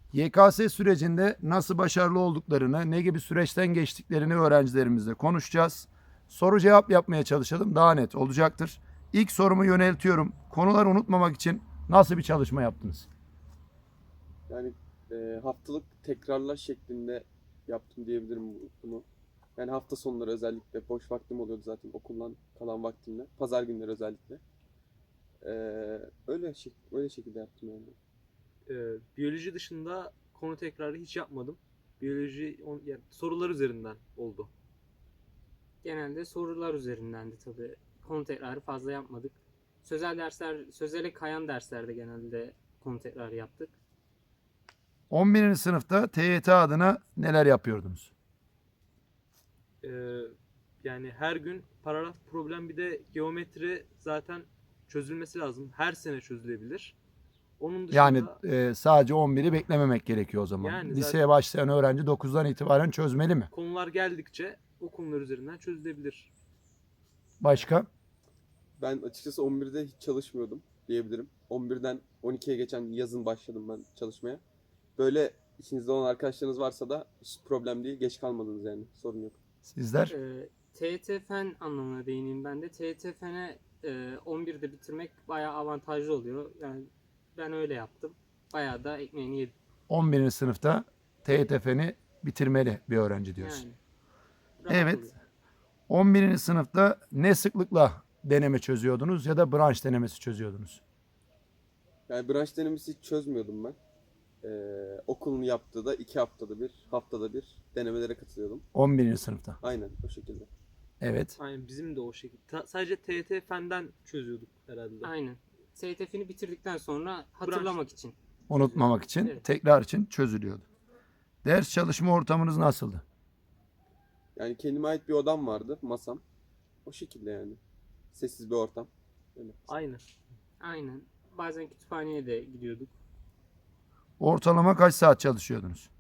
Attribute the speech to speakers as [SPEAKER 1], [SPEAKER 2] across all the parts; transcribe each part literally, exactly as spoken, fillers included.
[SPEAKER 1] Y K S sürecinde nasıl başarılı olduklarını, ne gibi süreçten geçtiklerini öğrencilerimizle konuşacağız. Soru cevap yapmaya çalışalım. Daha net olacaktır. İlk sorumu yöneltiyorum. Konuları unutmamak için nasıl bir çalışma yaptınız?
[SPEAKER 2] Yani e, haftalık tekrarlar şeklinde yaptım diyebilirim bu- bunu. Yani hafta sonları özellikle boş vaktim oluyordu zaten okuldan kalan vaktimde. Pazar günleri özellikle. E, öyle şek öyle şekilde yaptım yani.
[SPEAKER 3] Ee, biyoloji dışında konu tekrarı hiç yapmadım. Biyoloji on, yani sorular üzerinden oldu.
[SPEAKER 4] Genelde sorular üzerindendi tabii. Konu tekrarı fazla yapmadık. Sözel dersler, sözele kayan derslerde genelde konu tekrarı yaptık.
[SPEAKER 1] on birinci sınıfta T Y T adına neler yapıyordunuz?
[SPEAKER 3] Ee, yani her gün paragraf problem, bir de geometri zaten çözülmesi lazım. Her sene çözülebilir. Onun dışında
[SPEAKER 1] Yani e, sadece on biri beklememek gerekiyor o zaman.
[SPEAKER 3] Yani
[SPEAKER 1] Liseye
[SPEAKER 3] zaten-
[SPEAKER 1] başlayan öğrenci dokuzdan itibaren çözmeli mi?
[SPEAKER 3] konular geldikçe o konular üzerinden çözülebilir.
[SPEAKER 1] Başka?
[SPEAKER 2] Ben açıkçası on birde hiç çalışmıyordum diyebilirim. on birden on ikiye geçen yazın başladım ben çalışmaya. Böyle içinizde olan arkadaşlarınız varsa da hiç problem değil. Geç kalmadınız yani. Sorun yok.
[SPEAKER 1] Sizler?
[SPEAKER 4] Ee, T Y T Fen anlamına değineyim ben de. T Y T Fen'e e, on birde bitirmek bayağı avantajlı oluyor. Yani ben öyle yaptım. Bayağı da ekmeğini yedim.
[SPEAKER 1] on birinci sınıfta T Y T Fen'i bitirmeli bir öğrenci diyorsun.
[SPEAKER 4] Yani. Rahat
[SPEAKER 1] Evet.
[SPEAKER 4] oluyor.
[SPEAKER 1] on birinci sınıfta ne sıklıkla deneme çözüyordunuz ya da branş denemesi çözüyordunuz?
[SPEAKER 2] Yani branş denemesi hiç çözmüyordum ben. Ee, okulun yaptığı da iki haftada bir, haftada bir denemelere katılıyordum.
[SPEAKER 1] on birinci sınıfta.
[SPEAKER 2] Aynen o şekilde.
[SPEAKER 1] Evet.
[SPEAKER 3] Aynen bizim de o şekilde. Ta- sadece T Y T Fen'den çözüyorduk herhalde.
[SPEAKER 4] Aynen. T Y T Fen'i bitirdikten sonra hatırlamak için.
[SPEAKER 1] Unutmamak için,
[SPEAKER 4] Evet.
[SPEAKER 1] tekrar için çözülüyordu. Ders çalışma ortamınız nasıldı?
[SPEAKER 2] Yani kendime ait bir odam vardı, masam. O şekilde yani. Sessiz bir ortam. Öyle.
[SPEAKER 3] Aynen.
[SPEAKER 4] Aynen. Bazen kütüphaneye de gidiyorduk.
[SPEAKER 1] Ortalama kaç saat çalışıyordunuz?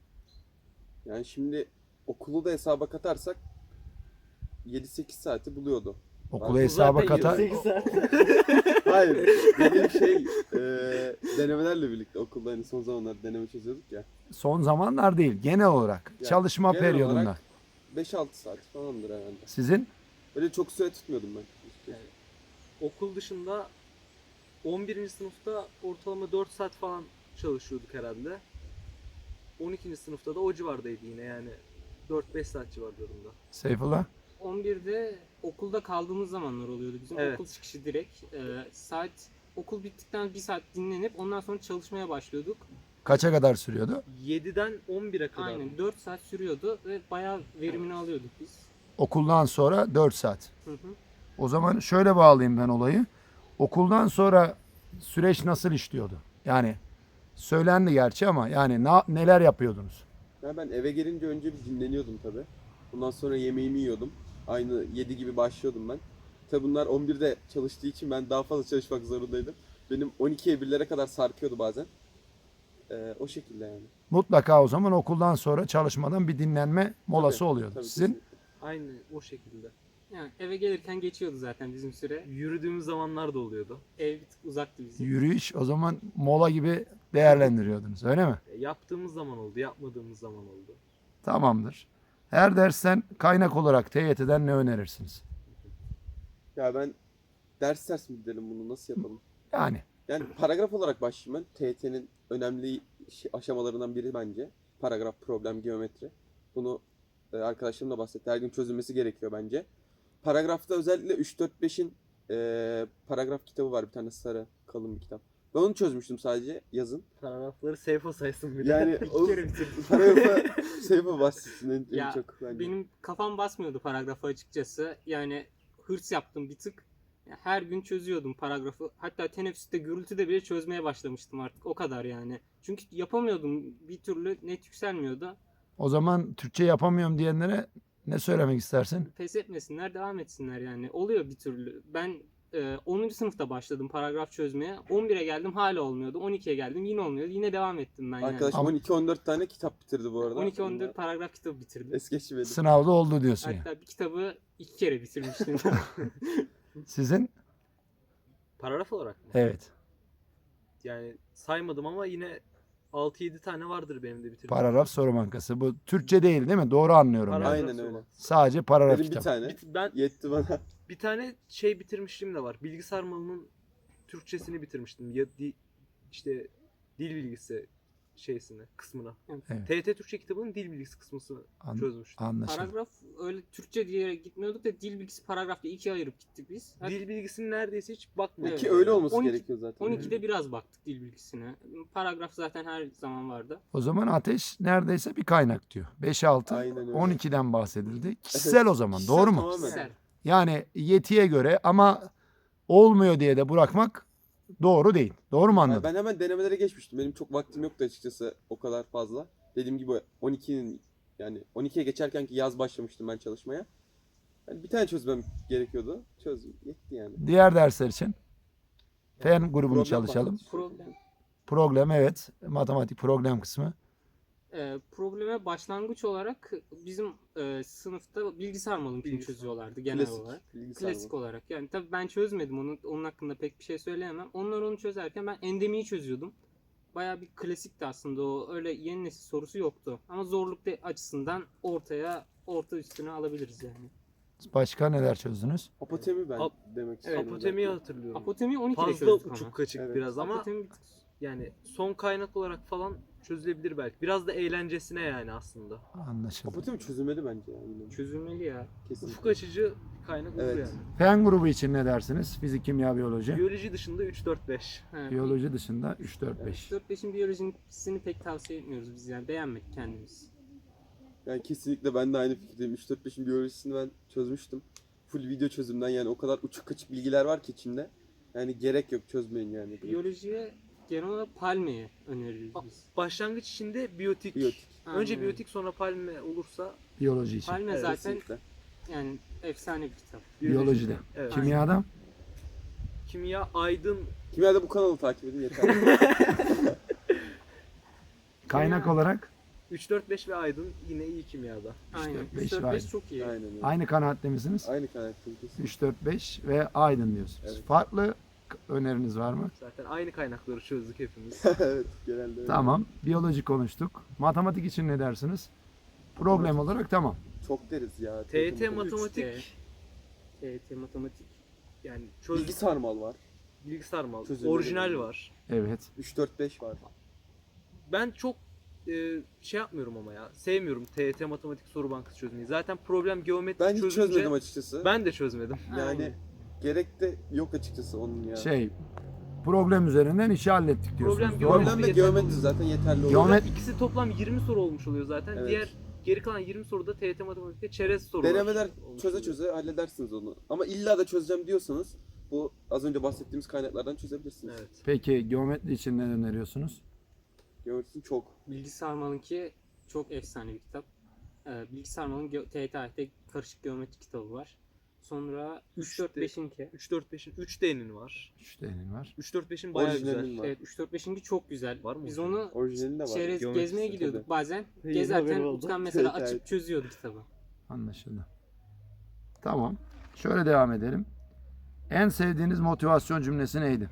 [SPEAKER 2] Yani şimdi okulu da hesaba katarsak yedi sekiz saati buluyordu.
[SPEAKER 1] Okulu
[SPEAKER 2] Ben-
[SPEAKER 1] hesaba
[SPEAKER 3] Zaten
[SPEAKER 1] katar.
[SPEAKER 3] yirmi sekiz saat.
[SPEAKER 2] Hayır. Dediğim şey e, denemelerle birlikte okulda hani son zamanlarda deneme çözüyorduk ya.
[SPEAKER 1] Son zamanlar değil, genel olarak
[SPEAKER 2] Ya,
[SPEAKER 1] çalışma
[SPEAKER 2] genel
[SPEAKER 1] periyodunda.
[SPEAKER 2] olarak beş altı saat falandır herhalde.
[SPEAKER 1] Sizin?
[SPEAKER 2] Öyle çok süre tutmuyordum ben.
[SPEAKER 3] Yani okul dışında on birinci sınıfta ortalama dört saat falan çalışıyorduk herhalde. on ikinci sınıfta da o civardaydı yine, yani dört beş saat civarlarında.
[SPEAKER 1] Seyfullah?
[SPEAKER 4] on birde okulda kaldığımız zamanlar oluyordu bizim.
[SPEAKER 3] Evet.
[SPEAKER 4] Okul çıkışı direkt. Ee, saat okul bittikten bir saat dinlenip ondan sonra çalışmaya başlıyorduk.
[SPEAKER 1] Kaça kadar sürüyordu?
[SPEAKER 3] yediden on bire kadar.
[SPEAKER 4] Aynen dört saat sürüyordu ve bayağı verimini alıyorduk biz.
[SPEAKER 1] Okuldan sonra dört saat.
[SPEAKER 4] Hı hı.
[SPEAKER 1] O zaman şöyle bağlayayım ben olayı. Okuldan sonra süreç nasıl işliyordu? Yani söylendi gerçi ama yani na- neler yapıyordunuz?
[SPEAKER 2] Ya ben eve gelince önce bir dinleniyordum tabi. Bundan sonra yemeğimi yiyordum. Aynı yedi gibi başlıyordum ben. Tabi bunlar on birde çalıştığı için ben daha fazla çalışmak zorundaydım. Benim on ikiye birlere kadar sarkıyordu bazen. Ee, o şekilde yani.
[SPEAKER 1] Mutlaka o zaman okuldan sonra çalışmadan bir dinlenme molası
[SPEAKER 2] Tabii,
[SPEAKER 1] oluyordu.
[SPEAKER 2] tabii,
[SPEAKER 1] Sizin?
[SPEAKER 2] kesinlikle.
[SPEAKER 3] Aynı o şekilde.
[SPEAKER 4] Yani eve gelirken geçiyordu zaten bizim süre.
[SPEAKER 3] Yürüdüğümüz zamanlar da oluyordu.
[SPEAKER 4] Ev bir tık uzaktı bizim.
[SPEAKER 1] Yürüyüş o zaman mola gibi değerlendiriyordunuz öyle mi?
[SPEAKER 3] E, yaptığımız zaman oldu, yapmadığımız zaman oldu.
[SPEAKER 1] Tamamdır. Her dersten kaynak olarak T Y T'den ne önerirsiniz?
[SPEAKER 2] Ya ben ders ders mi gidelim bunu nasıl yapalım?
[SPEAKER 1] Yani
[SPEAKER 2] Yani paragraf olarak başlayayım ben. T Y T'nin önemli şey- aşamalarından biri bence. Paragraf, problem, geometri. Bunu e, arkadaşlarım da bahsetti. Her gün çözülmesi gerekiyor bence. Paragrafta özellikle üç dört beşin e, paragraf kitabı var. Bir tane sarı kalın bir kitap. Ben onu çözmüştüm sadece yazın.
[SPEAKER 3] Paragrafları sayfa saysın bir de.
[SPEAKER 2] Yani
[SPEAKER 4] İki
[SPEAKER 2] o
[SPEAKER 4] kere bitirdim.
[SPEAKER 2] paragrafa sayfa bahsetsin en, en
[SPEAKER 4] Ya,
[SPEAKER 2] çok bence.
[SPEAKER 4] Benim kafam basmıyordu paragrafa açıkçası. Yani hırs yaptım bir tık. Ya her gün çözüyordum paragrafı. Hatta teneffüste gürültüde bile çözmeye başlamıştım artık. O kadar yani. Çünkü yapamıyordum. Bir türlü net yükselmiyordu.
[SPEAKER 1] o zaman Türkçe yapamıyorum diyenlere ne söylemek istersin?
[SPEAKER 4] Pes etmesinler, devam etsinler yani. Oluyor bir türlü. Ben e, onuncu sınıfta başladım paragraf çözmeye. on bire geldim hala olmuyordu. on ikiye geldim yine olmuyordu. Yine devam ettim ben yani.
[SPEAKER 2] Arkadaşım
[SPEAKER 1] Ama-
[SPEAKER 2] on iki on dört tane kitap bitirdi bu arada.
[SPEAKER 4] on iki on dört paragraf kitabı bitirdim.
[SPEAKER 2] Es geçmedim.
[SPEAKER 1] Sınavda oldu diyorsun ya.
[SPEAKER 4] Hatta bir kitabı iki kere bitirmiştim.
[SPEAKER 1] Sizin?
[SPEAKER 3] Paragraf olarak mı?
[SPEAKER 1] Evet.
[SPEAKER 3] Yani saymadım ama yine altı yedi tane vardır benim de bitirdiğim.
[SPEAKER 1] Paragraf soru bankası. Bu Türkçe değil değil mi? Doğru anlıyorum
[SPEAKER 3] Paragraf
[SPEAKER 1] yani.
[SPEAKER 2] Aynen
[SPEAKER 3] soru
[SPEAKER 2] öyle.
[SPEAKER 3] bankası.
[SPEAKER 1] Sadece paragraf
[SPEAKER 2] Benim bir
[SPEAKER 1] kitap.
[SPEAKER 2] tane
[SPEAKER 3] Bir- Ben
[SPEAKER 2] yetti bana.
[SPEAKER 3] bir tane şey bitirmişliğim de var. Bilgisayar malının Türkçesini bitirmiştim. Ya di, işte dil bilgisi şeysini, kısmına.
[SPEAKER 1] Evet.
[SPEAKER 3] T Y T Türkçe kitabının dil bilgisi kısmını
[SPEAKER 1] An-
[SPEAKER 3] çözmüştüm.
[SPEAKER 1] Anlaşıldı.
[SPEAKER 4] Paragraf öyle Türkçe diye gitmiyorduk da dil bilgisi paragrafta ikiye ayırıp gittik biz. Her-
[SPEAKER 3] Dil bilgisini neredeyse hiç bakmadım.
[SPEAKER 2] Ki öyle olması
[SPEAKER 4] on iki
[SPEAKER 2] gerekiyor zaten.
[SPEAKER 4] on ikide biraz baktık dil bilgisine. Paragraf zaten her zaman vardı.
[SPEAKER 1] O zaman ateş neredeyse bir kaynak diyor. beş altı
[SPEAKER 2] Aynen öyle.
[SPEAKER 1] on ikiden bahsedildi. Kişisel o zaman.
[SPEAKER 2] Kişisel
[SPEAKER 1] Doğru mu?
[SPEAKER 2] tamamen.
[SPEAKER 4] Kişisel.
[SPEAKER 1] Yani yetiye göre ama olmuyor diye de bırakmak doğru değil. Doğru mu
[SPEAKER 2] Yani
[SPEAKER 1] anladın?
[SPEAKER 2] ben hemen denemelere geçmiştim. Benim çok vaktim yoktu açıkçası o kadar fazla. Dediğim gibi on ikinin yani on ikiye geçerken ki yaz başlamıştım ben çalışmaya. Yani bir tane çözmem gerekiyordu. Çözdüm. Yetti yani.
[SPEAKER 1] Diğer dersler için fen grubunu
[SPEAKER 2] Problem
[SPEAKER 1] çalışalım.
[SPEAKER 2] bahsettik.
[SPEAKER 4] Problem.
[SPEAKER 1] Problem evet. Matematik problem kısmı.
[SPEAKER 4] Ee, probleme başlangıç olarak bizim e, sınıfta bilgisayar malımkini
[SPEAKER 3] Bilgisayar.
[SPEAKER 4] çözüyorlardı genel
[SPEAKER 2] Klasik.
[SPEAKER 4] olarak.
[SPEAKER 2] bilgisayar
[SPEAKER 4] Klasik
[SPEAKER 2] bu.
[SPEAKER 4] olarak. Yani tabii ben çözmedim onu. Onun hakkında pek bir şey söyleyemem. Onlar onu çözerken ben endemiyi çözüyordum. Bayağı bir klasikti aslında o. Öyle yeni nesil sorusu yoktu. Ama zorluk de- açısından ortaya orta üstüne alabiliriz yani.
[SPEAKER 1] Başka neler çözdünüz?
[SPEAKER 2] Apotemi ben
[SPEAKER 3] Ap-
[SPEAKER 2] demek istiyorum.
[SPEAKER 3] Apotemiyi hatırlıyorum.
[SPEAKER 4] Apotemi on ikide
[SPEAKER 3] Fazla
[SPEAKER 4] çözdük
[SPEAKER 3] uçuk
[SPEAKER 4] ama.
[SPEAKER 3] kaçık
[SPEAKER 2] Evet.
[SPEAKER 3] biraz ama
[SPEAKER 4] Apotemi bir tık-
[SPEAKER 3] yani son kaynak olarak falan çözülebilir belki. Biraz da eğlencesine yani aslında.
[SPEAKER 1] Anlaşıldı.
[SPEAKER 2] Apotemi çözülmedi bence ya. Yine.
[SPEAKER 4] çözülmeli ya.
[SPEAKER 2] Kesinlikle.
[SPEAKER 3] Ufuk açıcı kaynak olur
[SPEAKER 2] Evet.
[SPEAKER 3] yani.
[SPEAKER 1] Fen grubu için ne dersiniz? Fizik, kimya, biyoloji.
[SPEAKER 3] Biyoloji dışında üç dört beş.
[SPEAKER 4] Ha,
[SPEAKER 1] Biyoloji dışında üç dört beş.
[SPEAKER 4] dört beşin biyolojisini pek tavsiye etmiyoruz biz yani. Beğenmedik kendimiz.
[SPEAKER 2] Yani kesinlikle ben de aynı fikirdeyim. üç dört beşin biyolojisini ben çözmüştüm. Full video çözümden yani o kadar uçuk kaçık bilgiler var ki içinde. Yani gerek yok çözmeyin yani.
[SPEAKER 4] Biyolojiye genel olarak palmiye öneririz biz.
[SPEAKER 3] Başlangıç içinde biyotik.
[SPEAKER 2] Biyotik.
[SPEAKER 3] Önce
[SPEAKER 4] Aynen.
[SPEAKER 3] biyotik sonra palme olursa
[SPEAKER 1] Biyoloji için.
[SPEAKER 4] Palme
[SPEAKER 3] Evet,
[SPEAKER 4] zaten
[SPEAKER 2] Kesinlikle.
[SPEAKER 4] yani efsane bir kitap.
[SPEAKER 1] Biyolojide.
[SPEAKER 3] Evet.
[SPEAKER 1] Kimyada
[SPEAKER 3] Kimya, aydın,
[SPEAKER 2] Kimyada bu kanalı takip edin yeter.
[SPEAKER 1] kaynak
[SPEAKER 4] Kimya-
[SPEAKER 1] olarak
[SPEAKER 3] üç dört beş ve aydın yine iyi kimyada.
[SPEAKER 4] Aynen.
[SPEAKER 1] dört beş
[SPEAKER 4] üç dört
[SPEAKER 1] var.
[SPEAKER 4] beş çok iyi.
[SPEAKER 2] Aynen öyle.
[SPEAKER 1] aynı kanaatte misiniz?
[SPEAKER 2] Aynı kanattayım kesin.
[SPEAKER 1] üç dört beş ve Aydın diyorsunuz.
[SPEAKER 2] Evet.
[SPEAKER 1] Farklı k- öneriniz var mı?
[SPEAKER 3] Zaten aynı kaynakları çözdük hepimiz.
[SPEAKER 2] Evet genelde öyle.
[SPEAKER 1] Tamam. Biyoloji konuştuk. Matematik için ne dersiniz? Problem olarak tamam.
[SPEAKER 2] Çok deriz ya.
[SPEAKER 3] T Y T
[SPEAKER 2] Teknik-
[SPEAKER 3] matematik
[SPEAKER 4] T Y T matematik.
[SPEAKER 3] yani çöz
[SPEAKER 2] Bilgi sarmal var.
[SPEAKER 3] bilgisayar mal.
[SPEAKER 2] Çözümleri
[SPEAKER 3] Orijinal
[SPEAKER 2] var.
[SPEAKER 3] var.
[SPEAKER 1] Evet.
[SPEAKER 2] üç dört beş var.
[SPEAKER 3] Ben çok e, şey yapmıyorum ama ya. Sevmiyorum T Y T matematik soru bankası çözmeyi. Zaten problem geometri
[SPEAKER 2] Ben hiç
[SPEAKER 3] çözünce
[SPEAKER 2] çözmedim açıkçası.
[SPEAKER 3] ben de çözmedim.
[SPEAKER 2] Yani
[SPEAKER 4] Aynen.
[SPEAKER 2] gerek de yok açıkçası onun ya.
[SPEAKER 1] Şey problem üzerinden işi hallettik diyorsunuz.
[SPEAKER 3] Problem
[SPEAKER 1] Doğru mu?
[SPEAKER 2] Problem de
[SPEAKER 3] yeterli
[SPEAKER 2] geometri
[SPEAKER 3] oluyor.
[SPEAKER 2] zaten yeterli oluyor.
[SPEAKER 1] Geometri-
[SPEAKER 3] Zaten ikisi toplam yirmi soru olmuş oluyor zaten.
[SPEAKER 2] Evet.
[SPEAKER 3] Diğer geri kalan yirmi soruda T Y T matematikte çerez sorular.
[SPEAKER 2] Denemeler
[SPEAKER 3] olmuş
[SPEAKER 2] çöze
[SPEAKER 3] oluyor.
[SPEAKER 2] çöze halledersiniz onu. Ama illa da çözeceğim diyorsanız bu az önce bahsettiğimiz kaynaklardan çözebilirsiniz.
[SPEAKER 3] Evet.
[SPEAKER 1] Peki geometri için ne öneriyorsunuz?
[SPEAKER 2] Geometrisini çok.
[SPEAKER 4] Bilgi Sarmal'ınki çok efsane bir kitap. Ee, Bilgi Sarmal'ın ge- T Y T A Y'de karışık geometri kitabı var. Sonra üç dört beşinki.
[SPEAKER 3] üç dört beşin üç D'nin var.
[SPEAKER 1] üç D'nin var.
[SPEAKER 3] üç dört beşin bayağı
[SPEAKER 2] Orijinalinin
[SPEAKER 3] güzel.
[SPEAKER 2] var.
[SPEAKER 4] Evet üç dört beşinki çok güzel.
[SPEAKER 3] Var mı
[SPEAKER 4] Biz
[SPEAKER 3] orijinal?
[SPEAKER 4] onu
[SPEAKER 2] Orijinali de var.
[SPEAKER 4] çerez
[SPEAKER 3] Geometrisi
[SPEAKER 4] gezmeye
[SPEAKER 2] tabii.
[SPEAKER 4] gidiyorduk bazen.
[SPEAKER 3] Yeni
[SPEAKER 4] Gezerken
[SPEAKER 3] haberim oldu.
[SPEAKER 4] Utkan mesela
[SPEAKER 2] Evet,
[SPEAKER 4] açıp
[SPEAKER 2] evet.
[SPEAKER 4] çözüyordu kitabı.
[SPEAKER 1] Anlaşıldı. Tamam. Şöyle devam edelim. En sevdiğiniz motivasyon cümlesi neydi?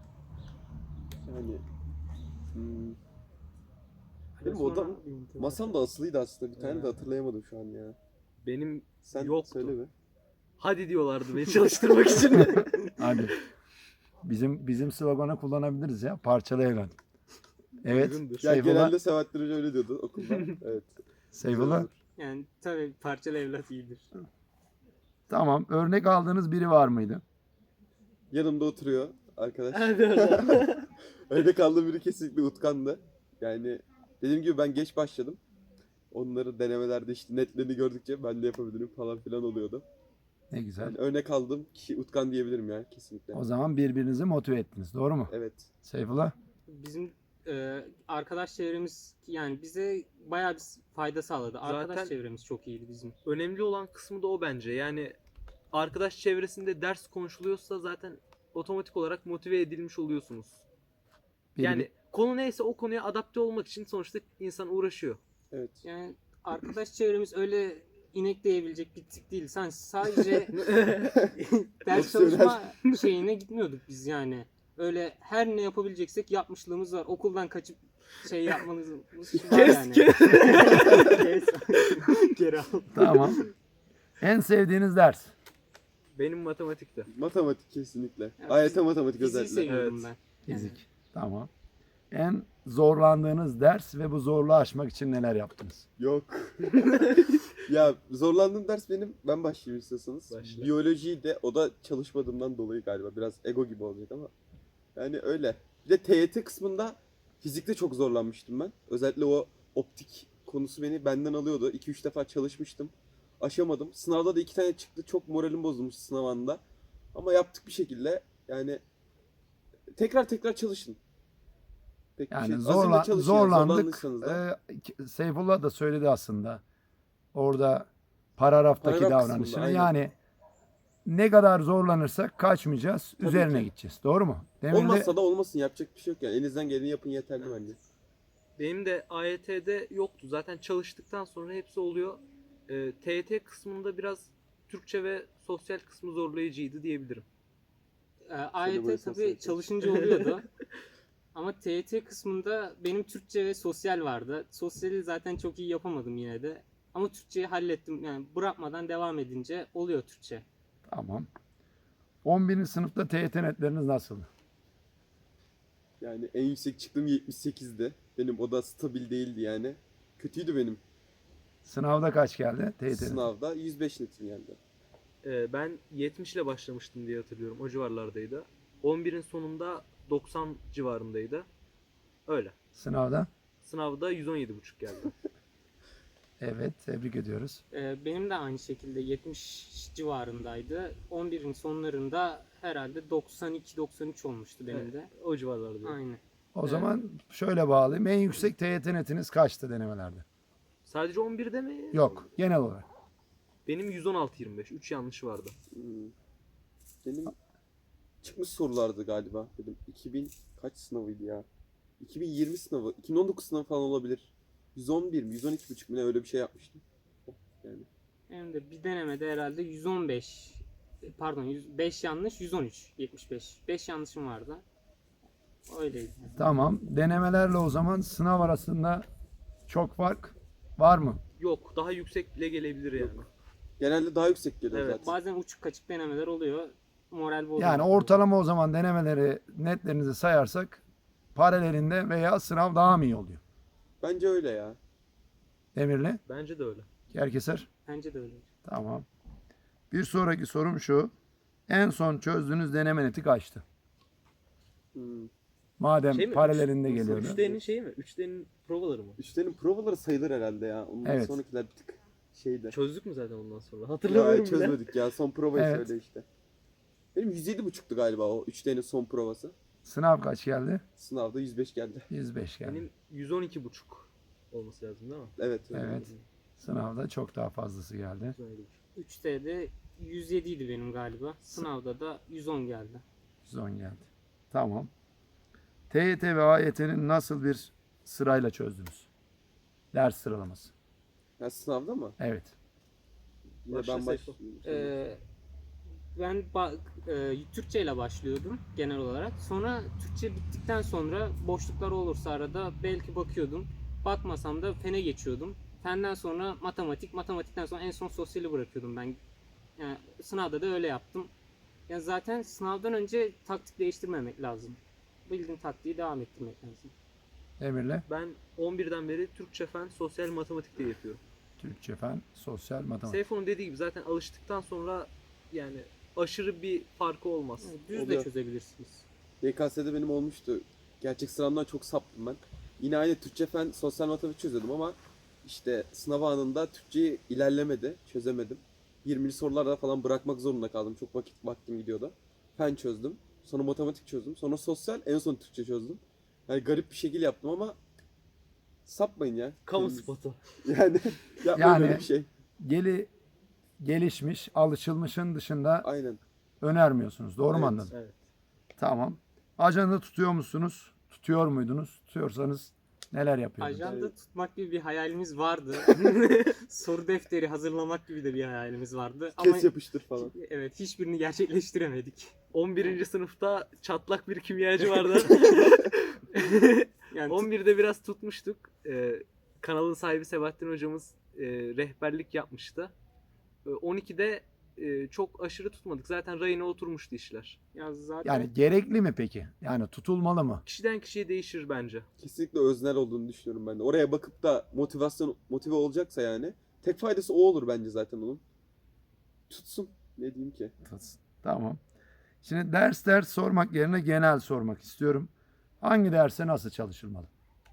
[SPEAKER 2] Yani hmm, benim
[SPEAKER 4] Sonra-
[SPEAKER 2] odam masam da asılıydı aslında. Bir tane de hatırlayamadım şu an ya.
[SPEAKER 3] Benim
[SPEAKER 2] Sen
[SPEAKER 3] Yoktu.
[SPEAKER 2] söyle be.
[SPEAKER 3] hadi diyorlardı beni çalıştırmak için.
[SPEAKER 1] Hadi. Bizim bizim sloganı kullanabiliriz ya. Parçalı evlen. Evet.
[SPEAKER 3] Uygundur.
[SPEAKER 2] Ya
[SPEAKER 1] Seyfullah.
[SPEAKER 2] genelde Sebahattin Hoca öyle diyordu okulda. Evet.
[SPEAKER 1] Seyfullah.
[SPEAKER 4] Yani tabii parçalı evlat iyidir.
[SPEAKER 1] Tamam. Örnek aldığınız biri var mıydı?
[SPEAKER 2] Yanımda oturuyor arkadaş.
[SPEAKER 3] Hadi oradan.
[SPEAKER 2] Öyle kaldığım biri kesinlikle Utkan'dı. Yani dediğim gibi ben geç başladım. Onları denemelerde işte netlerini gördükçe ben de yapabilirim falan filan oluyordu.
[SPEAKER 1] Ne güzel.
[SPEAKER 2] Yani örnek aldığım kişi Utkan diyebilirim ya kesinlikle.
[SPEAKER 1] O zaman birbirinizi motive ettiniz. Doğru mu?
[SPEAKER 2] Evet.
[SPEAKER 1] Seyfullah.
[SPEAKER 4] Bizim e, arkadaş çevremiz yani bize bayağı bir fayda sağladı. Arkadaş
[SPEAKER 3] Zaten-
[SPEAKER 4] çevremiz çok iyiydi bizim.
[SPEAKER 3] Önemli olan kısmı da o bence. Yani arkadaş çevresinde ders konuşuluyorsa zaten otomatik olarak motive edilmiş oluyorsunuz.
[SPEAKER 1] Bir-
[SPEAKER 3] Yani konu neyse o konuya adapte olmak için sonuçta insan uğraşıyor.
[SPEAKER 2] Evet.
[SPEAKER 4] Yani arkadaş çevremiz öyle inekleyebilecek bir tip değil. Sen sadece ders çalışma şeyine gitmiyorduk biz yani. Öyle her ne yapabileceksek yapmışlığımız var. Okuldan kaçıp şey yapmanız için var
[SPEAKER 3] Kes
[SPEAKER 4] yani.
[SPEAKER 3] kes.
[SPEAKER 4] Kes. Geri al.
[SPEAKER 1] Tamam. En sevdiğiniz ders?
[SPEAKER 3] Benim matematikte.
[SPEAKER 2] Matematik kesinlikle.
[SPEAKER 4] Ya,
[SPEAKER 2] A Y T
[SPEAKER 4] fizik-
[SPEAKER 2] matematik
[SPEAKER 4] Fiziği
[SPEAKER 2] özellikle.
[SPEAKER 4] seviyorum
[SPEAKER 3] Evet.
[SPEAKER 4] ben. Yani.
[SPEAKER 1] Fizik. Tamam. En zorlandığınız ders ve bu zorluğu aşmak için neler yaptınız?
[SPEAKER 2] Yok. Ya zorlandığım ders benim. Ben başlayayım istiyorsanız.
[SPEAKER 3] Başla.
[SPEAKER 2] Biyolojiydi. O da çalışmadığımdan dolayı galiba. Biraz ego gibi olacak ama. Yani öyle. Bir de T Y T kısmında fizikte çok zorlanmıştım ben. Özellikle o optik konusu beni benden alıyordu. iki üç defa çalışmıştım. Aşamadım. Sınavda da iki tane çıktı. Çok moralim bozulmuş sınav anında. Ama yaptık bir şekilde. Yani tekrar tekrar çalışın. Pek bir
[SPEAKER 1] Yani
[SPEAKER 2] şey-
[SPEAKER 1] zorla,
[SPEAKER 2] azimle çalışın yani,
[SPEAKER 1] zorlandık.
[SPEAKER 2] zorlandıysanız da.
[SPEAKER 1] Ee, Seyfullah da söyledi aslında. Orada paragraftaki
[SPEAKER 2] Paragraf kısmında,
[SPEAKER 1] davranışını.
[SPEAKER 2] aynen.
[SPEAKER 1] Yani ne kadar zorlanırsak kaçmayacağız.
[SPEAKER 2] Tabii
[SPEAKER 1] üzerine
[SPEAKER 2] ki.
[SPEAKER 1] gideceğiz. Doğru mu? Demin de
[SPEAKER 2] Olmazsa da olmasın, yapacak bir şey yok yani. Elinizden geleni yapın yeterli bence.
[SPEAKER 3] Benim de A Y T'de yoktu. Zaten çalıştıktan sonra hepsi oluyor. Ee, T Y T kısmında biraz Türkçe ve sosyal kısmı zorlayıcıydı diyebilirim.
[SPEAKER 4] Ee, A Y T
[SPEAKER 2] böyle
[SPEAKER 4] tabii
[SPEAKER 2] sosyal
[SPEAKER 4] çalışınca oluyordu. Ama T Y T kısmında benim Türkçe ve sosyal vardı. Sosyali zaten çok iyi yapamadım yine de. Ama Türkçeyi hallettim. Yani bırakmadan devam edince oluyor Türkçe.
[SPEAKER 1] tamam. on birinci sınıfta T Y T netleriniz nasıldı?
[SPEAKER 2] Yani en yüksek çıktığım yetmiş sekizdi. Benim o da stabil değildi yani. Kötüydü benim.
[SPEAKER 1] Sınavda kaç geldi T Y T'nin?
[SPEAKER 2] Sınavda yüz beş netim geldi.
[SPEAKER 3] Ee, ben yetmiş ile başlamıştım diye hatırlıyorum. O civarlardaydı. on birin sonunda doksan civarındaydı. Öyle.
[SPEAKER 1] Sınavda?
[SPEAKER 3] Sınavda yüz on yedi buçuk geldi.
[SPEAKER 1] Evet, tebrik ediyoruz.
[SPEAKER 4] Ee, benim de aynı şekilde yetmiş civarındaydı. on birin sonlarında herhalde doksan iki doksan üç olmuştu benim de.
[SPEAKER 3] O civarlardaydı.
[SPEAKER 4] Aynen.
[SPEAKER 1] O
[SPEAKER 4] Evet.
[SPEAKER 1] zaman şöyle bağlayayım. En yüksek T Y T netiniz kaçtı denemelerde?
[SPEAKER 3] Sadece on birde mi?
[SPEAKER 1] Yok, genel olarak.
[SPEAKER 3] Benim yüz on altı yirmi beş. üç yanlış vardı.
[SPEAKER 2] Hmm. Benim çıkmış sorulardı galiba. Dedim iki bin kaç sınavıydı ya? iki bin yirmi sınavı, iki bin on dokuz sınavı falan olabilir. yüz on bir mi, yüz on iki buçuk mu ne, öyle bir şey yapmıştım. Yani
[SPEAKER 4] Benim de bir denemede herhalde yüz on beş pardon yüz beş yanlış yüz on üç yetmiş beş. beş yanlışım vardı. Öyleydi.
[SPEAKER 1] Tamam. Denemelerle o zaman sınav arasında çok fark var mı?
[SPEAKER 3] Yok. Daha yüksek bile gelebilir yani.
[SPEAKER 2] genelde daha yüksek geliyor
[SPEAKER 3] Evet,
[SPEAKER 2] zaten.
[SPEAKER 4] Bazen uçuk kaçık denemeler oluyor. Moral bozuyor.
[SPEAKER 1] Yani ortalama o zaman denemeleri, netlerinizi sayarsak paralelinde veya sınav daha mı iyi oluyor?
[SPEAKER 2] Bence öyle ya.
[SPEAKER 1] Demirli,
[SPEAKER 3] Bence de öyle.
[SPEAKER 1] Kerkeser.
[SPEAKER 4] Bence de öyle.
[SPEAKER 1] Tamam. Bir sonraki sorum şu. En son çözdüğünüz deneme neti kaçtı?
[SPEAKER 2] Hmm.
[SPEAKER 1] Madem
[SPEAKER 3] Şey mi?
[SPEAKER 1] paralelinde
[SPEAKER 2] Üç-
[SPEAKER 1] geliyordu.
[SPEAKER 3] üç D'nin şeyi mi? üç D'nin provaları mı?
[SPEAKER 2] Üçlerin provaları sayılır herhalde ya. Ondan
[SPEAKER 1] Evet.
[SPEAKER 2] sonrakiler bir tık şeydi.
[SPEAKER 3] Çözdük mü zaten ondan sonra?
[SPEAKER 2] Ya,
[SPEAKER 3] Hatırlamıyorum bile.
[SPEAKER 2] çözmedik ya. Son provayı
[SPEAKER 1] Evet.
[SPEAKER 2] söyle işte. Benim yüz yedi buçuktu galiba o üç D'nin son provası.
[SPEAKER 1] Sınav kaç geldi?
[SPEAKER 2] Sınavda yüz beş geldi.
[SPEAKER 1] yüz beş geldi.
[SPEAKER 3] Benim yüz on iki buçuk olması lazım değil mi?
[SPEAKER 2] Evet. öyle.
[SPEAKER 1] Evet. Sınavda çok daha fazlası geldi.
[SPEAKER 3] yüz on yedi buçuk.
[SPEAKER 4] üç T'de yüz yedi idi benim galiba. Sınavda da yüz on geldi.
[SPEAKER 1] yüz on geldi. Tamam. T Y T ve A Y T'nin nasıl bir sırayla çözdünüz? Ders sıralaması.
[SPEAKER 2] Ya sınavda mı?
[SPEAKER 1] Evet.
[SPEAKER 2] Yine
[SPEAKER 3] Başla
[SPEAKER 2] ben
[SPEAKER 3] Seyfo.
[SPEAKER 2] başlayayım.
[SPEAKER 4] Ee, ben ba- e, Türkçe ile başlıyordum genel olarak. Sonra Türkçe bittikten sonra boşluklar olursa arada belki bakıyordum. Bakmasam da fene geçiyordum. Fenden sonra matematik, matematikten sonra en son sosyali bırakıyordum ben. Yani sınavda da öyle yaptım. Yani zaten sınavdan önce taktik değiştirmemek lazım. Bildiğin taktiği devam ettirmek lazım.
[SPEAKER 1] Demirle.
[SPEAKER 3] Ben on birden beri Türkçe fen, sosyal matematik diye yapıyorum.
[SPEAKER 1] Türkçe fen, sosyal matematik.
[SPEAKER 3] Seyfo'nun dediği gibi zaten alıştıktan sonra yani aşırı bir farkı olmaz.
[SPEAKER 4] Yani düz
[SPEAKER 2] Oluyor.
[SPEAKER 4] de çözebilirsiniz.
[SPEAKER 2] Y K S'de benim olmuştu. Gerçek sınavdan çok saptım ben. Yine aynı Türkçe fen, sosyal matematik çözüyordum ama işte sınav anında Türkçeyi ilerlemedi, çözemedim. yirmili sorularda falan bırakmak zorunda kaldım. Çok vakit vaktim gidiyordu. Fen çözdüm. Sonra matematik çözdüm. Sonra sosyal, en son Türkçe çözdüm. Yani garip bir şekilde yaptım ama sapmayın ya.
[SPEAKER 3] Kamu
[SPEAKER 2] Kendiniz-
[SPEAKER 3] spotu.
[SPEAKER 2] Yani yapmayın
[SPEAKER 1] Yani-
[SPEAKER 2] öyle bir şey.
[SPEAKER 1] Geli gelişmiş, alışılmışın dışında
[SPEAKER 2] Aynen.
[SPEAKER 1] önermiyorsunuz. Doğru mu
[SPEAKER 2] Evet.
[SPEAKER 1] anladım?
[SPEAKER 3] Evet.
[SPEAKER 1] Tamam. Ajanda tutuyor musunuz? Tutuyor muydunuz? Tutuyorsanız neler yapıyordunuz?
[SPEAKER 4] Ajanda
[SPEAKER 2] Evet.
[SPEAKER 4] tutmak gibi bir hayalimiz vardı. Soru defteri hazırlamak gibi de bir hayalimiz vardı.
[SPEAKER 2] Kes
[SPEAKER 4] Ama
[SPEAKER 2] yapıştır falan.
[SPEAKER 4] evet, hiçbirini gerçekleştiremedik.
[SPEAKER 3] on birinci sınıfta çatlak bir kimyacı vardı.
[SPEAKER 4] Yani
[SPEAKER 3] on birde biraz tutmuştuk. Ee, kanalın sahibi Sebahattin hocamız e, rehberlik yapmıştı. Ee, on ikide e, çok aşırı tutmadık. Zaten rayına oturmuştu işler.
[SPEAKER 4] ya zaten
[SPEAKER 1] Yani gerekli mi peki? Yani tutulmalı mı?
[SPEAKER 3] Kişiden kişiye değişir bence.
[SPEAKER 2] Kesinlikle öznel olduğunu düşünüyorum ben de. Oraya bakıp da motivasyon motive olacaksa yani tek faydası o olur bence zaten onun. Tutsun. Ne diyeyim ki?
[SPEAKER 1] Tamam. Şimdi ders ders sormak yerine genel sormak istiyorum. Hangi derse nasıl çalışılmalı?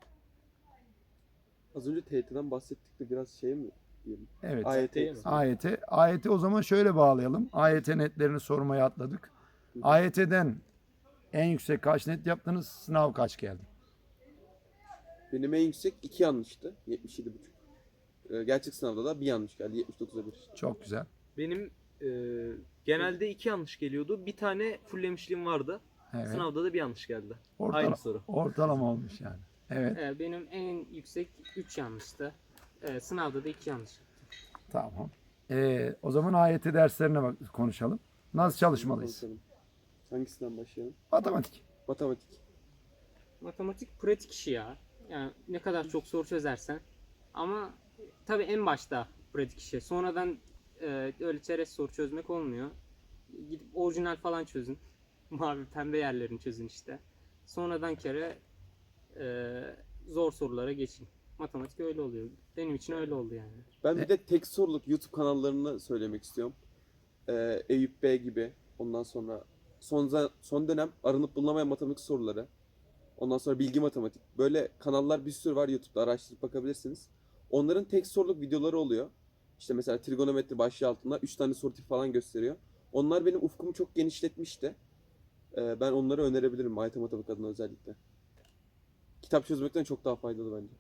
[SPEAKER 2] Az önce T Y T'den bahsettik de biraz şey mi diyelim?
[SPEAKER 1] Evet.
[SPEAKER 2] A Y T
[SPEAKER 3] mi?
[SPEAKER 1] A Y T. A Y T o zaman şöyle bağlayalım. A Y T netlerini sormaya atladık. A Y T'den en yüksek kaç net yaptınız? Sınav kaç geldi?
[SPEAKER 2] Benim en yüksek iki yanlıştı. yetmiş yedi buçuk. Ee, gerçek sınavda da bir yanlış geldi. yetmiş dokuza bir.
[SPEAKER 1] Çok güzel.
[SPEAKER 3] Benim e, genelde iki yanlış geliyordu. Bir tane fullemişliğim vardı.
[SPEAKER 1] Evet.
[SPEAKER 3] Sınavda da bir yanlış geldi.
[SPEAKER 1] Ortala-
[SPEAKER 3] Aynı soru.
[SPEAKER 1] Ortalama olmuş yani. Evet.
[SPEAKER 4] e, benim en yüksek üç yanlıştı. E, sınavda da iki yanlış.
[SPEAKER 1] Tamam. Ee, o zaman A Y T derslerine bak konuşalım. Nasıl çalışmalıyız?
[SPEAKER 2] Konuşalım. Hangisinden başlayalım?
[SPEAKER 1] Matematik.
[SPEAKER 2] Matematik.
[SPEAKER 4] Matematik pratik işi ya. Yani ne kadar çok soru çözersen. Ama tabii en başta pratik işi. Sonradan e, öyle çerez soru çözmek olmuyor. Gidip orijinal falan çözün. Mavi pembe yerlerini çözün işte. Sonradan kere e, zor sorulara geçin. Matematik öyle oluyor. Benim için öyle oldu yani.
[SPEAKER 2] Ben
[SPEAKER 1] E-
[SPEAKER 2] bir de tek soruluk YouTube kanallarını söylemek istiyorum. Ee, Eyüp Bey gibi. Ondan sonra son za- son dönem aranıp bulunamayan matematik soruları. Ondan sonra bilgi matematik. Böyle kanallar bir sürü var YouTube'da, araştırıp bakabilirsiniz. Onların tek soruluk videoları oluyor. İşte mesela trigonometri başlığı altında üç tane soru tipi falan gösteriyor. Onlar benim ufkumu çok genişletmişti. Ee, ben onları önerebilirim matematik adına özellikle. Kitap çözmekten çok daha faydalı bence.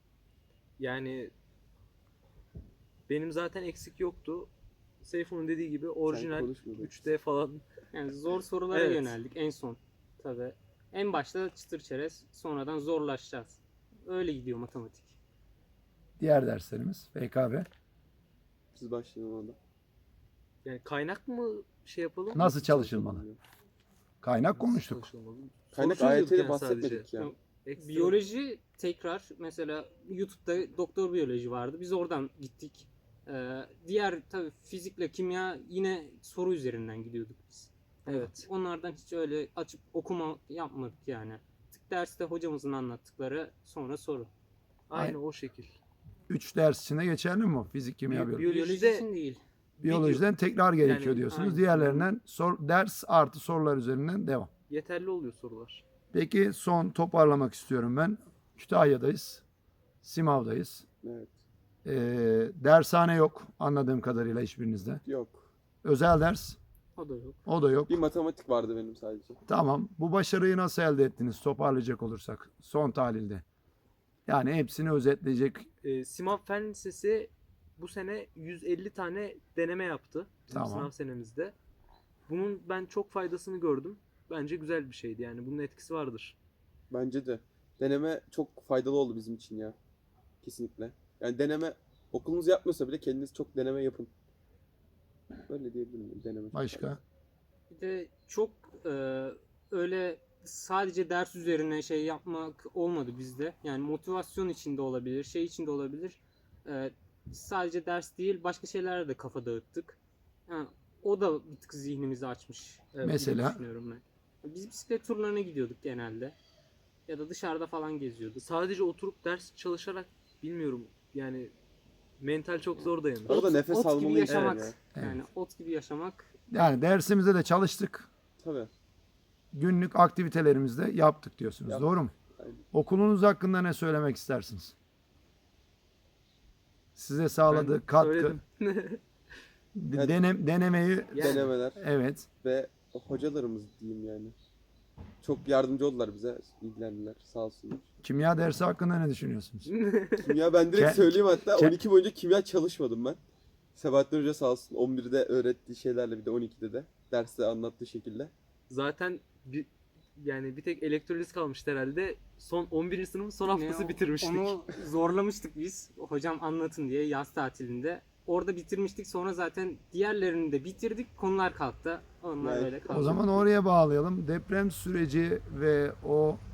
[SPEAKER 3] Yani benim zaten eksik yoktu. Seyfun'un dediği gibi orijinal
[SPEAKER 2] konuşma be.
[SPEAKER 3] üç D falan.
[SPEAKER 4] Yani zor sorulara
[SPEAKER 3] Evet.
[SPEAKER 4] yöneldik en son. Tabii. En başta çıtır çerez, sonradan zorlaşacağız. Öyle gidiyor matematik.
[SPEAKER 1] Diğer derslerimiz F K B.
[SPEAKER 2] Siz başlayın ona da.
[SPEAKER 3] Yani kaynak mı şey yapalım?
[SPEAKER 1] Nasıl çalışılmalı? Kaynak
[SPEAKER 3] Nasıl
[SPEAKER 1] konuştuk.
[SPEAKER 3] çalışılmalı?
[SPEAKER 2] Kaynak
[SPEAKER 3] Soru
[SPEAKER 2] A Y
[SPEAKER 3] çözüyorduk
[SPEAKER 2] T'de
[SPEAKER 3] yani
[SPEAKER 2] bahsetmedik
[SPEAKER 3] sadece.
[SPEAKER 2] ya.
[SPEAKER 4] Yok.
[SPEAKER 3] Ekstra-
[SPEAKER 4] Biyoloji tekrar mesela YouTube'da doktor biyoloji vardı. Biz oradan gittik. Ee, diğer tabii fizikle kimya yine soru üzerinden gidiyorduk biz.
[SPEAKER 3] Evet.
[SPEAKER 4] Onlardan hiç öyle açıp okuma yapmadık yani. Tık derste hocamızın anlattıkları sonra soru.
[SPEAKER 3] Aynı o şekil.
[SPEAKER 1] Üç ders içinde geçerli mi bu? Fizik, kimya,
[SPEAKER 3] Bi-
[SPEAKER 1] biyoloji.
[SPEAKER 3] Biyolojide-
[SPEAKER 4] Biyoloji için değil.
[SPEAKER 1] Biyolojiden tekrar gerekiyor
[SPEAKER 3] Yani,
[SPEAKER 1] diyorsunuz.
[SPEAKER 4] aynen.
[SPEAKER 1] Diğerlerinden sor, ders artı sorular üzerinden devam.
[SPEAKER 3] Yeterli oluyor sorular.
[SPEAKER 1] Peki son toparlamak istiyorum ben. Kütahya'dayız. Simav'dayız.
[SPEAKER 2] Evet.
[SPEAKER 1] Ee, dershane yok anladığım kadarıyla hiçbirinizde.
[SPEAKER 2] Yok.
[SPEAKER 1] Özel ders
[SPEAKER 4] O da yok.
[SPEAKER 1] o da yok.
[SPEAKER 2] Bir matematik vardı benim sadece.
[SPEAKER 1] Tamam. Bu başarıyı nasıl elde ettiniz toparlayacak olursak son tahlilde? Yani hepsini özetleyecek.
[SPEAKER 3] Ee, Simav Fen Lisesi bu sene yüz elli tane deneme yaptı. Bizim
[SPEAKER 1] Tamam.
[SPEAKER 3] sınav senemizde. Bunun ben çok faydasını gördüm. Bence güzel bir şeydi yani. Bunun etkisi vardır.
[SPEAKER 2] Bence de. Deneme çok faydalı oldu bizim için ya. Kesinlikle. Yani deneme okulunuz yapmıyorsa bile kendiniz çok deneme yapın. Böyle diyebilirim. Deneme. çok
[SPEAKER 1] Başka?
[SPEAKER 2] faydalı.
[SPEAKER 4] Bir de çok e, öyle sadece ders üzerine şey yapmak olmadı bizde. Yani motivasyon içinde olabilir, şey içinde olabilir. E, sadece ders değil, başka şeylere de kafa dağıttık. Yani o da bir tık zihnimizi açmış.
[SPEAKER 3] Evet,
[SPEAKER 4] gibi
[SPEAKER 1] Mesela?
[SPEAKER 4] düşünüyorum ben. Biz bisiklet turlarına gidiyorduk genelde. Ya da dışarıda falan geziyorduk.
[SPEAKER 3] Sadece oturup ders çalışarak bilmiyorum yani mental çok zor dayanır.
[SPEAKER 2] Orada nefes
[SPEAKER 4] ot gibi
[SPEAKER 2] almalı insan
[SPEAKER 4] yaşamak.
[SPEAKER 2] ya.
[SPEAKER 4] Yani ot gibi yaşamak.
[SPEAKER 1] Yani dersimizde de çalıştık.
[SPEAKER 2] Tabii.
[SPEAKER 1] Günlük aktivitelerimizde yaptık diyorsunuz.
[SPEAKER 2] Yaptık.
[SPEAKER 1] Doğru mu?
[SPEAKER 2] Aynen.
[SPEAKER 1] Okulunuz hakkında ne söylemek istersiniz? Size sağladığı
[SPEAKER 3] Ben
[SPEAKER 1] katkı,
[SPEAKER 3] söyledim.
[SPEAKER 1] de- denem, denemeyi
[SPEAKER 3] Yani.
[SPEAKER 2] Denemeler
[SPEAKER 1] evet.
[SPEAKER 2] ve hocalarımız diyeyim yani. Çok yardımcı oldular bize. İlgilendiler. Sağ olsunlar.
[SPEAKER 1] Kimya dersi hakkında ne düşünüyorsunuz?
[SPEAKER 2] Kimya ben direkt
[SPEAKER 1] Ke-
[SPEAKER 2] söyleyeyim hatta.
[SPEAKER 1] ke-
[SPEAKER 2] on iki boyunca kimya çalışmadım ben. Sebahattin Hoca sağ olsun on birde öğrettiği şeylerle bir de on ikide de derste anlattığı şekilde.
[SPEAKER 3] Zaten bir, yani bir tek elektroliz kalmıştı herhalde. Son on birinci sınıfın son
[SPEAKER 4] Yine
[SPEAKER 3] haftası
[SPEAKER 4] o-
[SPEAKER 3] bitirmiştik.
[SPEAKER 4] Onu zorlamıştık biz. Hocam anlatın diye yaz tatilinde. Orada bitirmiştik. Sonra zaten diğerlerini de bitirdik. Konular kalktı. Onlar
[SPEAKER 2] Evet.
[SPEAKER 4] öyle kaldı.
[SPEAKER 1] O zaman oraya bağlayalım. Deprem süreci ve o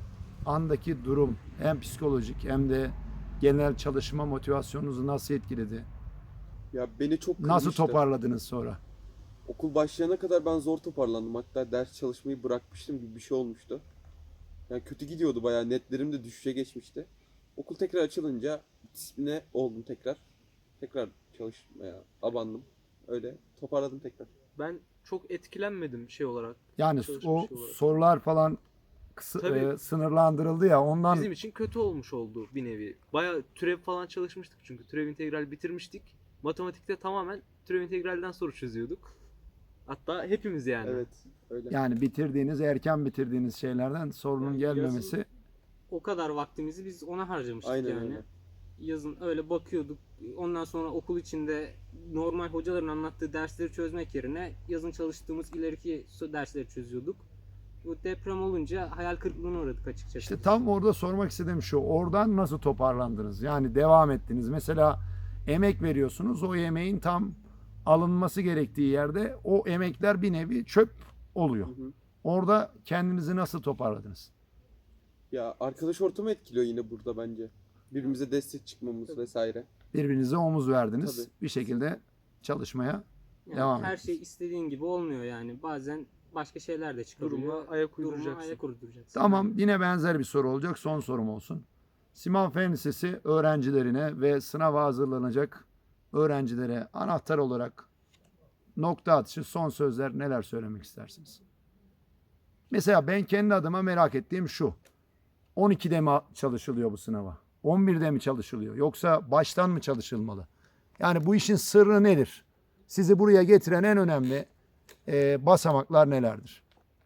[SPEAKER 1] andaki durum hem psikolojik hem de genel çalışma motivasyonunuzu nasıl etkiledi?
[SPEAKER 2] Ya beni çok
[SPEAKER 1] Nasıl
[SPEAKER 2] kırmıştı.
[SPEAKER 1] toparladınız sonra?
[SPEAKER 2] Okul başlayana kadar ben zor toparlandım. Hatta ders çalışmayı bırakmıştım gibi bir şey olmuştu. Yani kötü gidiyordu bayağı. Netlerim de düşüşe geçmişti. Okul tekrar açılınca disipline oldum tekrar. Tekrar çalışmaya abandım. Öyle toparladım tekrar.
[SPEAKER 3] Ben çok etkilenmedim şey olarak.
[SPEAKER 1] Yani
[SPEAKER 3] Çalışma
[SPEAKER 1] o
[SPEAKER 3] şey olarak.
[SPEAKER 1] sorular falan kısa,
[SPEAKER 3] Tabii.
[SPEAKER 1] e, sınırlandırıldı ya ondan.
[SPEAKER 3] Bizim için kötü olmuş oldu bir nevi. Bayağı türev falan çalışmıştık çünkü türev integral bitirmiştik. Matematikte tamamen türev integralden soru çözüyorduk. Hatta hepimiz yani.
[SPEAKER 2] Evet, öyle.
[SPEAKER 1] Yani bitirdiğiniz, erken bitirdiğiniz şeylerden sorunun
[SPEAKER 4] Yani
[SPEAKER 1] gelmemesi.
[SPEAKER 4] yazın o kadar vaktimizi biz ona harcamıştık
[SPEAKER 2] Aynen
[SPEAKER 4] yani.
[SPEAKER 2] öyle.
[SPEAKER 4] Yazın öyle bakıyorduk. Ondan sonra okul içinde normal hocaların anlattığı dersleri çözmek yerine yazın çalıştığımız ileriki so- dersleri çözüyorduk. Bu deprem olunca hayal kırıklığına uğradık açıkçası.
[SPEAKER 1] İşte tam orada sormak istediğim şu. Oradan nasıl toparlandınız? Yani devam ettiniz. Mesela emek veriyorsunuz. O emeğin tam alınması gerektiği yerde o emekler bir nevi çöp oluyor.
[SPEAKER 2] Hı hı.
[SPEAKER 1] Orada kendinizi nasıl toparladınız?
[SPEAKER 2] Ya arkadaş ortamı etkiliyor yine burada bence. Birbirimize destek çıkmamız vesaire.
[SPEAKER 1] Birbirinize omuz verdiniz.
[SPEAKER 2] Tabii.
[SPEAKER 1] Bir şekilde çalışmaya.
[SPEAKER 4] Yani
[SPEAKER 1] devam
[SPEAKER 4] her
[SPEAKER 1] ettiniz.
[SPEAKER 4] şey istediğin gibi olmuyor yani. Bazen başka şeyler de çıkabiliyor.
[SPEAKER 3] Duruma ayak
[SPEAKER 4] Duruma
[SPEAKER 3] uyduracaksın.
[SPEAKER 4] ayak uyduracaksın.
[SPEAKER 1] Tamam,
[SPEAKER 4] Yani
[SPEAKER 1] yine benzer bir soru olacak. Son sorum olsun. Siman Fen Lisesi öğrencilerine ve sınava hazırlanacak öğrencilere anahtar olarak nokta atışı son sözler neler söylemek istersiniz? Mesela ben kendi adıma merak ettiğim şu. on ikide mi çalışılıyor bu sınava? on birde mi çalışılıyor? Yoksa baştan mı çalışılmalı? Yani bu işin sırrı nedir? Sizi buraya getiren en önemli e, basamaklar nelerdir?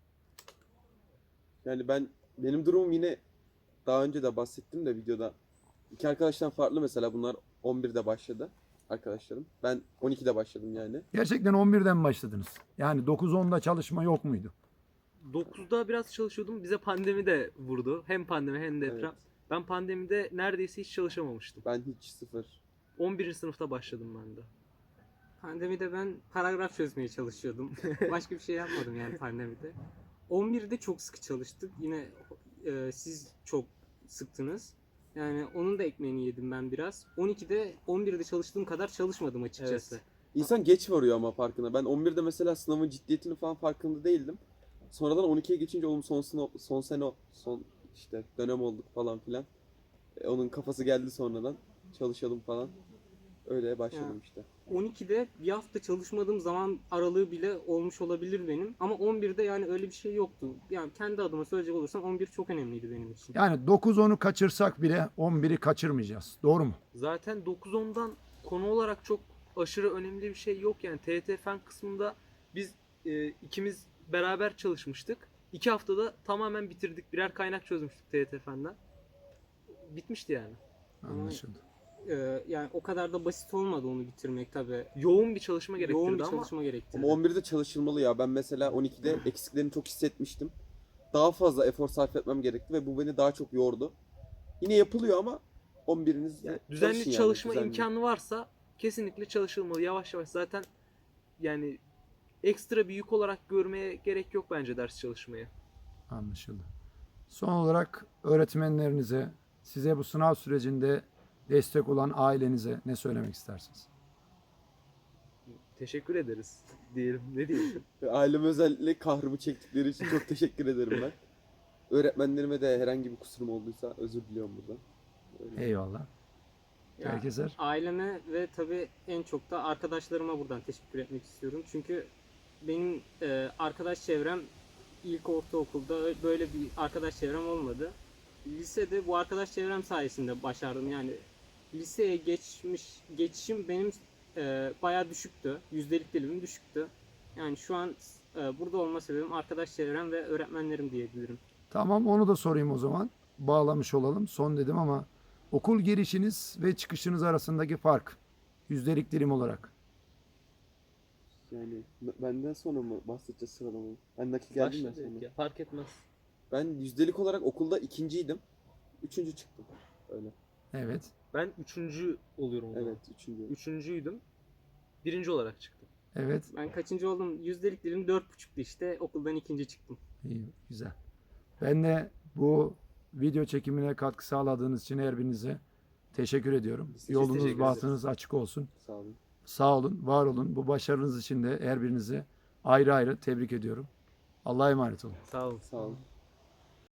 [SPEAKER 2] Yani ben benim durumum yine daha önce de bahsettim de videoda. İki arkadaştan farklı mesela bunlar on birde başladı arkadaşlarım. Ben on ikide başladım yani.
[SPEAKER 1] Gerçekten on birden mi başladınız? Yani dokuz onda çalışma yok muydu?
[SPEAKER 3] dokuzda biraz çalışıyordum. Bize pandemi de vurdu. Hem pandemi hem deprem.
[SPEAKER 2] Evet.
[SPEAKER 3] Ben pandemide neredeyse hiç çalışamamıştım.
[SPEAKER 2] Ben hiç sıfır.
[SPEAKER 3] on birinci sınıfta başladım ben de.
[SPEAKER 4] pandemide ben paragraf çözmeye çalışıyordum. Başka bir şey yapmadım yani pandemide. on birde çok sıkı çalıştık. Yine e, siz çok sıktınız. Yani onun da ekmeğini yedim ben biraz. on ikide on birde çalıştığım kadar çalışmadım açıkçası.
[SPEAKER 3] Evet.
[SPEAKER 2] İnsan geç varıyor ama farkına. Ben on birde mesela sınavın ciddiyetini falan farkında değildim. Sonradan on ikiye geçince oğlum son, sınav, son sene, son işte dönem olduk falan filan. E, onun kafası geldi sonradan. Çalışalım falan. Öyle başladım
[SPEAKER 4] Ya.
[SPEAKER 2] işte.
[SPEAKER 4] on ikide bir hafta çalışmadığım zaman aralığı bile olmuş olabilir benim. Ama on birde yani öyle bir şey yoktu. Yani kendi adıma söyleyecek olursam on bir çok önemliydi benim için.
[SPEAKER 1] Yani dokuz onu kaçırsak bile on biri kaçırmayacağız. Doğru mu?
[SPEAKER 3] Zaten dokuz ondan konu olarak çok aşırı önemli bir şey yok yani. T Y T fen kısmında biz e, ikimiz beraber çalışmıştık. İki haftada tamamen bitirdik. Birer kaynak çözmüştük T Y T fenden. Bitmişti yani.
[SPEAKER 1] Anlaşıldı.
[SPEAKER 4] Ee, yani o kadar da basit olmadı onu bitirmek tabii.
[SPEAKER 3] Yoğun bir çalışma gerektirdi
[SPEAKER 4] Yoğun bir
[SPEAKER 3] ama
[SPEAKER 4] çalışma gerektirdi.
[SPEAKER 2] Ama on birde çalışılmalı ya. Ben mesela on ikide eksiklerini çok hissetmiştim. Daha fazla efor sarf etmem gerekti ve bu beni daha çok yordu. Yine yapılıyor ama on biriniz
[SPEAKER 3] yani düzenli
[SPEAKER 2] çalışın yani,
[SPEAKER 3] çalışma
[SPEAKER 2] düzenli.
[SPEAKER 3] imkanı varsa kesinlikle çalışılmalı. Yavaş yavaş zaten yani ekstra bir yük olarak görmeye gerek yok bence ders çalışmayı.
[SPEAKER 1] Anlaşıldı. Son olarak öğretmenlerinize, size bu sınav sürecinde destek olan ailenize ne söylemek istersiniz?
[SPEAKER 3] Teşekkür ederiz diyelim. Ne diyeyim?
[SPEAKER 2] Ve aileme özellikle kahrımı çektikleri için çok teşekkür ederim ben. Öğretmenlerime de herhangi bir kusurum olduysa özür diliyorum buradan. Öyle.
[SPEAKER 1] Eyvallah.
[SPEAKER 4] Ya,
[SPEAKER 1] Herkeser.
[SPEAKER 4] aileme ve tabii en çok da arkadaşlarıma buradan teşekkür etmek istiyorum. Çünkü benim e, arkadaş çevrem ilk ortaokulda ö- böyle bir arkadaş çevrem olmadı. Lisede bu arkadaş çevrem sayesinde başardım. Yani liseye geçmiş geçişim benim e, bayağı düşüktü. Yüzdelik dilimim düşüktü. Yani şu an e, burada olma sebebim arkadaş çevrem ve öğretmenlerim diyebilirim.
[SPEAKER 1] Tamam, onu da sorayım o zaman. Bağlamış olalım. Son dedim ama okul girişiniz ve çıkışınız arasındaki fark yüzdelik dilim olarak.
[SPEAKER 2] Yani n- benden sonra mı bahsedeceğiz sıralamayı? Ben nakil geldim ya
[SPEAKER 3] Başladık
[SPEAKER 2] sonra.
[SPEAKER 3] ya, fark etmez.
[SPEAKER 2] Ben yüzdelik olarak okulda ikinciydim. Üçüncü çıktım. Öyle.
[SPEAKER 1] Evet.
[SPEAKER 3] Ben üçüncü oluyorum o zaman.
[SPEAKER 2] Evet, üçüncü.
[SPEAKER 3] Üçüncüydüm. Birinci olarak çıktım.
[SPEAKER 1] Evet.
[SPEAKER 4] Ben kaçıncı oldum? Yüzdelik dilim dört buçuktu işte. Okuldan ikinci çıktım.
[SPEAKER 1] İyi, güzel. Ben de bu video çekimine katkı sağladığınız için her birinize teşekkür ediyorum.
[SPEAKER 2] Biz teşekkür
[SPEAKER 1] Yolunuz,
[SPEAKER 2] ederiz.
[SPEAKER 1] bahtınız açık olsun.
[SPEAKER 2] Sağ olun.
[SPEAKER 1] Sağ olun, var olun. Bu başarınız için de her birinizi ayrı ayrı tebrik ediyorum. Allah'a emanet olun.
[SPEAKER 3] Sağ olun.
[SPEAKER 2] Sağ olun.